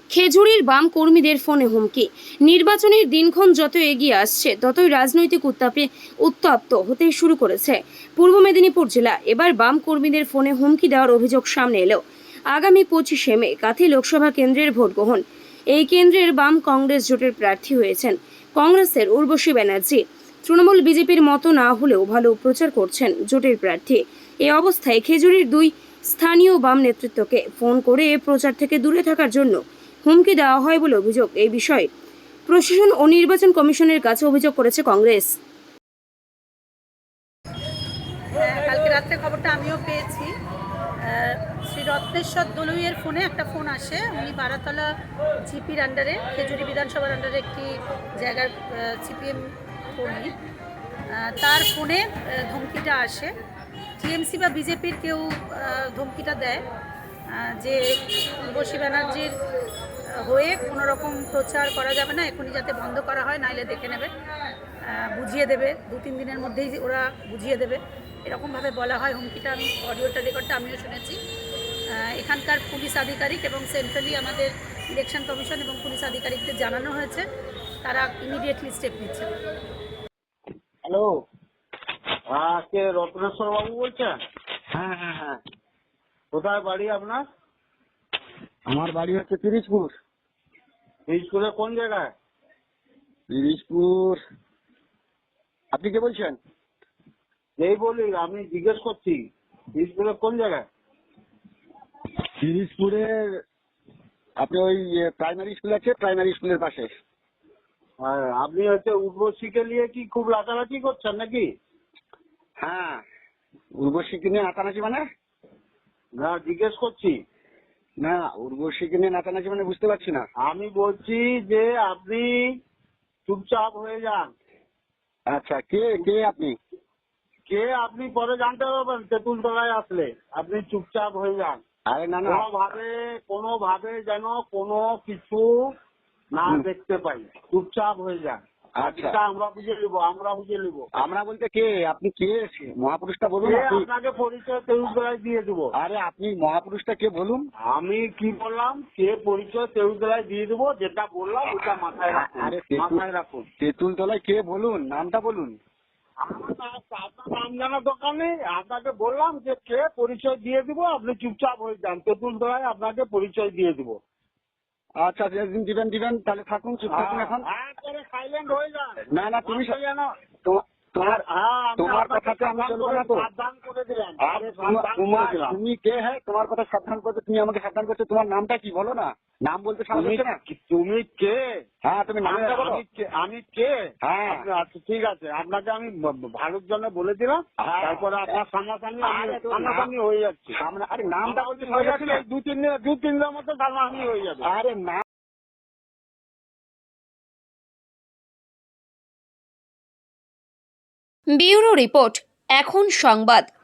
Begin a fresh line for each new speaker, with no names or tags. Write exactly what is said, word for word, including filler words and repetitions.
খেজুরির বাম কর্মীদের ফোনে হুমকি। নির্বাচনের দিনক্ষণ যত এগিয়ে আসছে ততই রাজনৈতিক উত্তাপে উত্তপ্ত হতে শুরু করেছে পূর্ব মেদিনীপুর জেলা। এবার বাম কর্মীদের ফোনে হুমকি দেওয়ার অভিযোগ সামনে এলো। আগামী পঁচিশে মে কাথি লোকসভা কেন্দ্রের ভোট গ্রহণ। এই কেন্দ্রের বাম কংগ্রেস জোটের প্রার্থী হয়েছেন কংগ্রেসের উর্বশী ব্যানার্জি। তৃণমূল বিজেপির মতো না হলেও ভালো প্রচার করছেন জোটের প্রার্থী। এ অবস্থায় খেজুরির দুই স্থানীয় বাম নেতৃত্বকে ফোন করে প্রচার থেকে দূরে থাকার জন্য হুমকি দেওয়া হয় বলে অভিযোগ। এই বিষয়ে প্রশাসন ও নির্বাচন কমিশনের কাছে অভিযোগ করেছে কংগ্রেস।
কালকে রাত্রে খবরটা আমিও পেয়েছি। শ্রী রত্নেশ্বর দলুইয়ের ফোনে একটা ফোন আসে। উনি বারাতলা জিপির আন্ডারে, খেজুরি বিধানসভার আন্ডারে একটি জায়গার সিপিএম কর্মী। তার ফোনে ধমকিটা আসে। টিএমসি বা বিজেপির কেউ ধমকিটা দেয় যে উর্বশী ব্যানার্জির হয়ে কোনো রকম প্রচার করা যাবে না, এখনই যাতে বন্ধ করা হয়, নাইলে দেখে নেবে, বুঝিয়ে দেবে, দু তিন দিনের মধ্যেই ওরা বুঝিয়ে দেবে, এরকমভাবে বলা হয়। হুমকিটা আমি অডিওটা রেকর্ডটা আমিও শুনেছি। এখানকার পুলিশ আধিকারিক এবং সেন্ট্রালি আমাদের ইলেকশন কমিশন এবং পুলিশ আধিকারিকদের জানানো হয়েছে, তারা ইমিডিয়েটলি স্টেপ নিচ্ছে।
হ্যালো, হ্যাঁ, কে রত্নেশ্বর বাবু বলছেন?
হ্যাঁ হ্যাঁ হ্যাঁ
কোথায় বাড়ি আপনার?
আমার বাড়ি হচ্ছে পিরিজপুর।
পিরিজপুরে কোন জায়গায়?
পিরিজপুর, আপনি কে বলছেন?
এই বলি, আমি জিজ্ঞেস করছি পিরিজপুরে কোন জায়গায়?
পিরিজপুরের আপনি ওই প্রাইমারি স্কুল আছে, প্রাইমারি স্কুলের পাশে।
হ্যাঁ, আপনি হচ্ছে উর্বশীকে নিয়ে কি খুব লাচালাচি করছেন নাকি?
হ্যাঁ, উর্বশীকে নিয়ে নাচানাচি মানে?
না, জিজ্ঞেস করছি।
না, উর্বশীকে নিয়ে নাচানাচি মানে বুঝতে পারছি না।
আমি বলছি যে আপনি চুপচাপ হয়ে যান।
আচ্ছা, কে কে আপনি?
কে আপনি পরে জানতে পারবেন তেঁতুলতলায় আসলে। আপনি চুপচাপ হয়ে যান।
আরে না না,
কোনোভাবে কোনোভাবে যেন কোনো কিছু না দেখতে পাই, চুপচাপ হয়ে যান।
আচ্ছা,
আমরা বুঝে নিব, আমরা বুঝে নিব।
আমরা বলতে কে? আপনি কে? মহাপুরুষটা বলুন।
আপনাকে পরিচয় তেউতলায় দিয়ে দেবো।
আরে আপনি মহাপুরুষটা কে বলুন।
আমি কি বললাম? কে পরিচয় তেউতলায় দিয়ে দেবো, যেটা বললাম ওটা মাথায় রাখুন।
আরে
মাথায় রাখুন।
তেঁতুলতলায় কে বলুন, নামটা বলুন।
আপনার নাম জানার দরকার নেই, আপনাকে বললাম যে কে পরিচয় দিয়ে দিব, আপনি চুপচাপ হয়ে যান। তেঁতুলতলায় আপনাকে পরিচয় দিয়ে দিব।
আচ্ছা, যেদিন দিবেন দিবেন, তাহলে থাকুন, চুপ থাকুন এখন।
একবারে সাইলেন্ট হয়ে যান।
না না, তুমি
যেন
তোমার তোমার
হ্যাঁ,
তোমার কথাতে আমি চলবো না তো।
সাবধান করে দিলাম।
আরে তোমার তুমি কে? হ্যাঁ, তোমার কথা সাবধান করছো, তুমি আমাকে সাবধান করছো। তোমার নামটা কি বলো না? নাম বলতে সাহস হচ্ছে না?
তুমি কে?
হ্যাঁ, তুমি নামটা বলো।
আমি কে?
হ্যাঁ,
আচ্ছা ঠিক আছে, আপনাকে আমি ভালোর জন্য বলে দিলাম। তারপরে আপনার সামনাসামনি সামনাসামনি হয়ে যাচ্ছে।
আরে নামটা বলতে
হয়ে যাচ্ছে, দু তিন দিন দু তিন দিনের মধ্যে সামনাসামনি হয়ে যাবে।
আরে না।
ব্যুরো রিপোর্ট, এখন সংবাদ।